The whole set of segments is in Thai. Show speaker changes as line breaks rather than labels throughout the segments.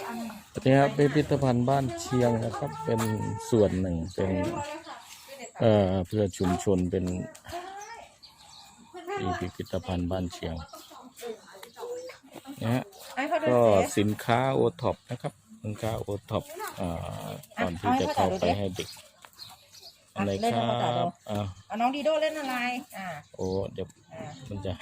นี่ครับพิพิธภัณฑ์บ้านเชียงนะครับเป็นส่วนหนึ่งเป็นเพื่อชุมชนเป็นพิพิธภัณฑ์บ้านเชียงนะฮะก็สินค้าโอท็อปนะครับสินค้าโอท็อปก่อนที่จะเข้าไปให้เด็กอะไรครับ
เอาน้องดีโดเล่นอะไร
โอ้เดี๋ยวมันจะ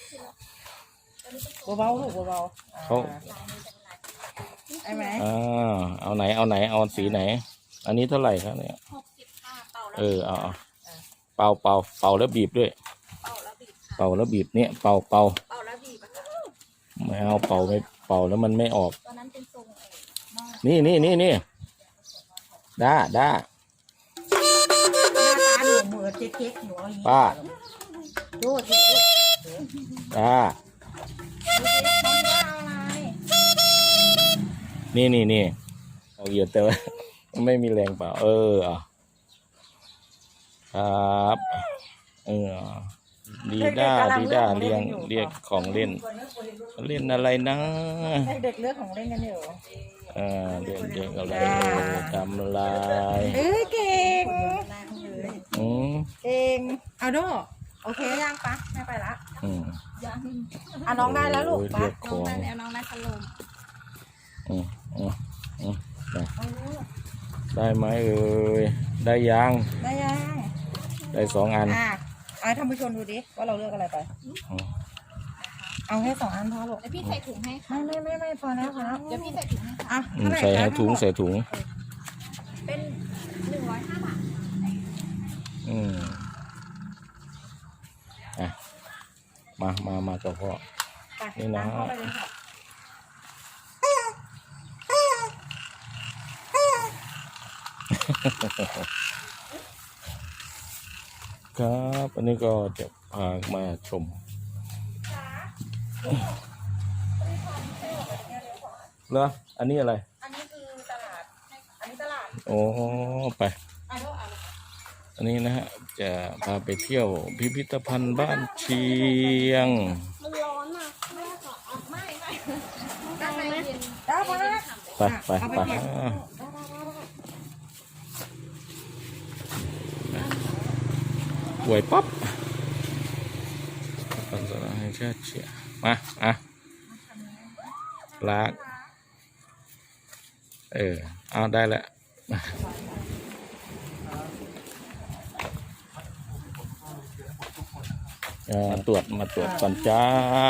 เบาๆลูกเบาๆ
เขา
ใช่ไหม
เอาไหนเอาสีไหนอันนี้เท่าไหร่ครับเนี่ยเอาเป่าแล้วบีบด้วยเป่าแล้วบีบเนี่ยเป่าแล้วบีบไม่เอาเป่าไม่เป่าแล้วมันไม่ออกตอนนั้นเป็นทรงนี่ด้า
หน้าตาหนูเหมือนเจ๊กหนู
ป้า
ดูสิ
ด้านี่เอาเยอะแต่ว่าไม่มีแรงเปล่าครับดีด้าเรียกของเล่นอะไรนะ
เด็กเลือกของเล่นกันอยู่
เด็กอะไรทำอะไร
เก่งเอาดูโอเคยังปะไม่ไปละน้องได้แล้วลูกปะ
น้อง
ได้แล้วน้องได้ขนม
ได้ไหมได้ยังได้2 อัน
เอาท่านผู้ชมดูดิว่าเราเลือกอะไรไปเอาให้2 อันพอลูก
แล้วพี่ใส่ถุงให้
ไม่พอแล้ว
เดี๋ยวพี่ใส่ถุงให้ค่ะ
ใส่ถุง
เป็น105 บาท
มากับพ่อนี่นะครับอันนี้ก็จะพามาชมเหรออันนี้อะไร
อันนี้คือตลาด
โอ้ไปอันนี้นะฮะจะพาไปเที่ยวพิพิธภัณฑ์บ้านเชียง
มันร้อนอ่ะไม่ด้านในเย็น
ไปหวยป๊อปปันสระให้ชาติเชียมาลากเอาได้แล้วมาตรวจก่อนจ้า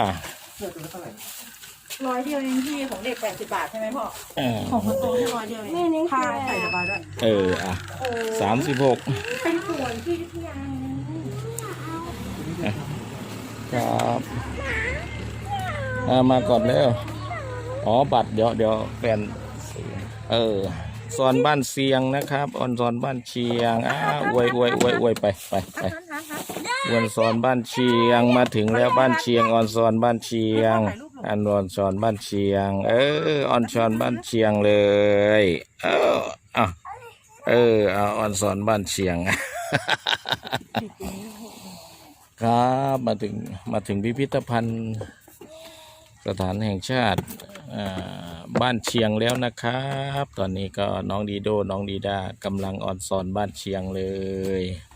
100 เดียวเองพี่ของเด็ก80 บาทใช่ไหมพ่อของคนโตแค่100 เดียวเองค่าใส่สบายด้วย
36
เป็นขวดที่ยัง
ครับมาก่อนแล้วบัตรเดี๋ยวแฟนซอนบ้านเชียงนะครับซอนบ้านเชียงอวยไปวันซอนบ้านเชียงมาถึงแล้วบ้านเชียงซอนบ้านเชียงซอนบ้านเชียงซอนบ้านเชียงเลยซอนบ้านเชียงครับมาถึงพิพิธภัณฑ์สถานแห่งชาติบ้านเชียงแล้วนะครับตอนนี้ก็น้องดีโดน้องดีดากำลังซอนบ้านเชียงเลย